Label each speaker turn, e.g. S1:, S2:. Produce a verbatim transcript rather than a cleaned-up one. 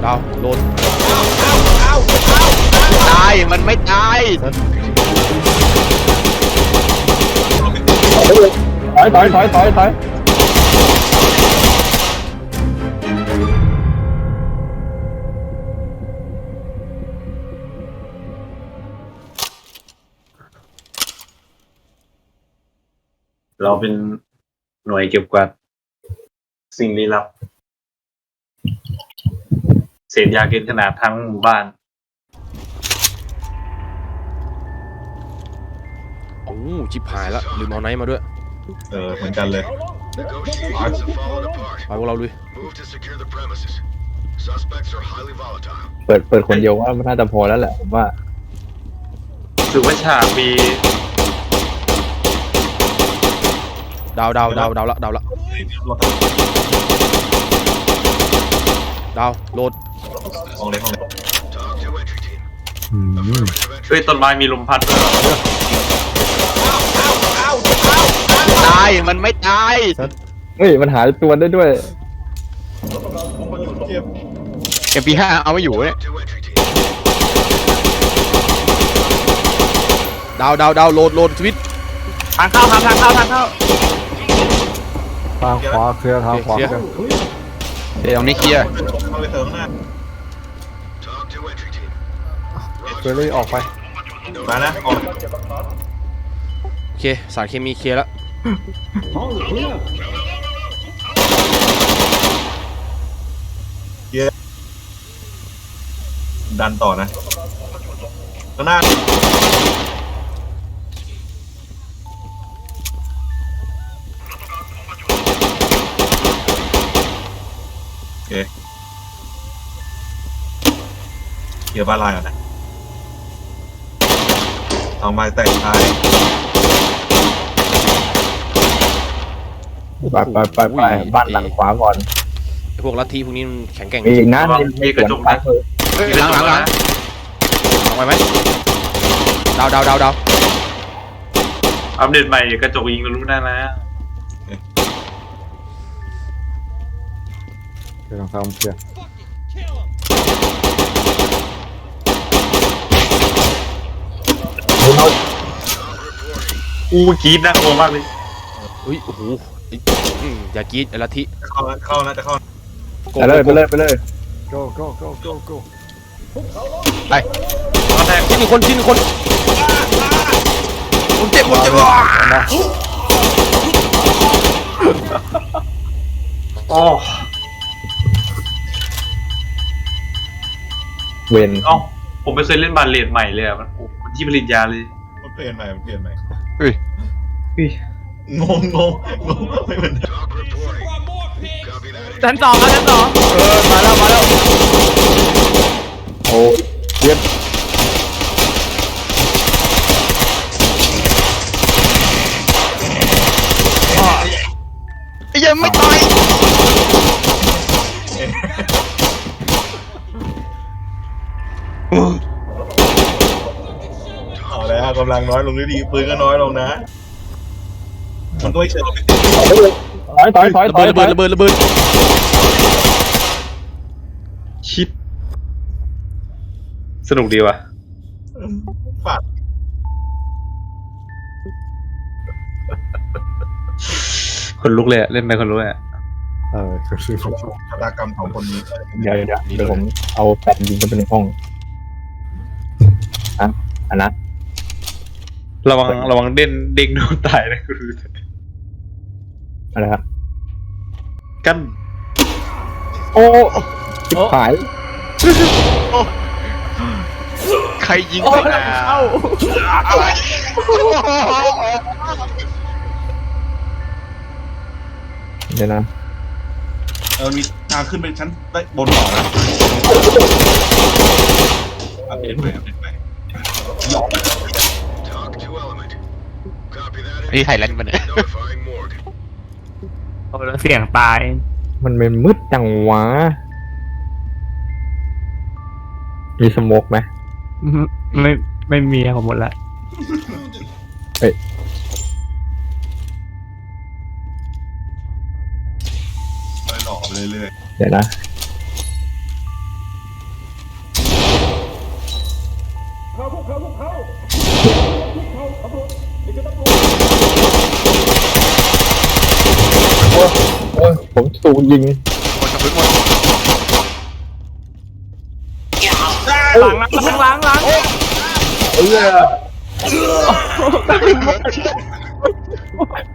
S1: ดาวโหลด
S2: ตายมันไม่ตาย
S3: ถอยถอยถอยถอยถอย
S4: เราเป็นหน่วยเก็บกวาดสิ่งลี้ลับเศษยาเกินขนาดทั้งหมู่บ้าน
S1: โอ้ชิบหายละลืมเอาไนท์มาด้วย
S4: เออเหมือนกันเลย
S1: ไปพวกเราลุย
S3: เปิดเปิดคนเดียวว่ามันน่าจะพอแล้วแหละผมว่า
S4: ถือว่าฉากมี
S1: ดาวดาวดาวดาวละดาวละดาวโหลด
S4: ห้องเล็กห้องเล็กเฮ้ยต้นไม้มีลมพัดด้วย
S2: ตายมันไม่ตาย
S3: เฮ้ยมันหายตัวได้ด้วย
S2: เอ็มพีห้าเอาไม่อยู่เนี่ย
S1: ดาวดาวดาวโหลดโหลดสวิต
S2: ทางเข้าทางทางเข้าทางเข้า
S3: ทางขวาเคลียร์ทางขวาเคลียร์
S2: เดี๋ยวตรงนี้เคลียร์
S3: เคลียร์เลยออกไป
S4: มานะออก
S1: โอเคสารเคมีเคลียร์แล้ว
S4: ดันต่อนะข้างหน้าโอเคเกี่ยวบ้านลายก่อนนะเอาไม้แตกท้าย
S3: ไปไปไปไปบ้านหลังขวาก่อน
S1: พวกลัทธิพวกนี้มันแข็งแกร่ง
S3: มีอีกนะ
S4: มีกระจกนะ
S2: หลังหลังหลัง
S1: ลองไปไหมดาวดาวดาวดาว
S4: อัปเดตใหม่กระจกยิงก็รู้ได้แล้ว
S3: เคลียร์ทางเคลียร์
S4: อู้กรีดน่ากลัวมากเลย
S1: อุ้ยโอ้โหอย่ากรีดไอ้ลัทธิ
S4: เข้าเข้านะจะเข้า
S3: ไปเลยไปเลยไปเลย
S5: go go go go go
S1: ไปตอนแรกชิ้นหนึ่งคนชิ้นหนึ่งคนผมเจ็บผมเจ็บว่ะ
S4: โอ้
S3: เวน
S4: เอ้าผมไม่เคยเล่นบาเลตใหม่เลยอ่ะมันมันที่ผลิตยาเลยมันเปลี่ยนใหม่มันเปลี่ยนใหม่
S2: เฮ้ย
S4: งงงงงงไม่เหมือน
S2: ชั้นสองครับชั้นสอง
S1: เออมาแล้วมาแล้ว
S3: โอ้เยี่ยม
S2: ยังไม่ตาย
S4: เอาแล้วกำลังน้อยลงนิดดีปืนก็น้อยลงนะมันก็ไม่เชิง
S3: ถอยถอยถอยถอย
S1: ระเบิดระเบิดระเบิด
S4: ชิดสนุกดีว่ะฝากคนลุกเลยเล่นไปคนลุกเลย
S3: เออคือช
S4: ะตากรรมของคนนี้
S3: เดี๋ยวเดี๋ยวเดี๋ยวผมเอาแผ่นยิงกันไปในห้องอ่ะอันนะ
S4: ระวังระวังเด้นเด้งโดนตายนะคุณ
S3: อะไรครับ
S4: กัน
S3: โอ้ชิบหาย
S2: ใครยิงไปนะ
S3: เดี๋ยวนะ
S4: เออมีทางขึ้นไปชั้นได้บนต่อนะอัปเดตไปอัปเดตไป
S2: นี่ไทยแลนด์มันเนี่ย
S5: โอ้แล้วเสียงตาย
S3: มันเป็นมืดจังวะมีสโมกไหม
S5: ไม่ไม่มีของหมดละ
S3: เฮ้ย
S4: ไปหลอกเรื่อย
S3: ๆเดี๋ยวนะโอ้ยโอ้ยผมถูกยิง
S1: หมดกระสุนหมด
S5: หลังหลังหลังหลัง
S3: เอ้ย